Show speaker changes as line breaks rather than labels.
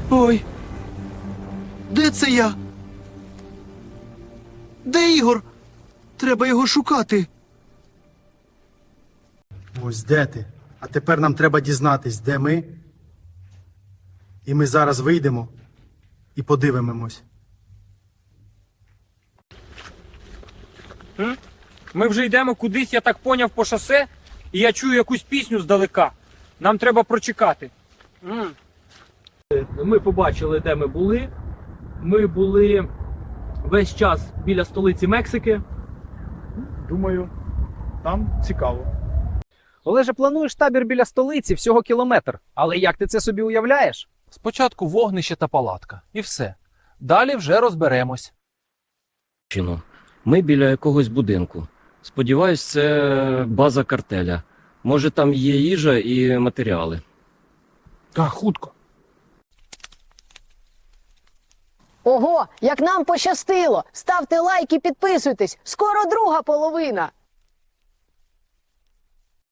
Ой. Де це я? Де Ігор? Треба його шукати.
Ось де ти. А тепер нам треба дізнатись, де ми. І ми зараз вийдемо і подивимось.
Ми вже йдемо кудись, я так поняв, по шосе, і я чую якусь пісню здалека. Нам треба прочекати. Ми побачили, де ми були. Ми були весь час біля столиці Мексики.
Думаю, там цікаво.
Олеже, плануєш табір біля столиці всього кілометр. Але як ти це собі уявляєш?
Спочатку вогнище та палатка. І все. Далі вже розберемось.
Ми біля якогось будинку. Сподіваюсь, це база картеля. Може, там є їжа і матеріали.
Так, хутко.
Ого, як нам пощастило! Ставте лайк і підписуйтесь! Скоро друга половина!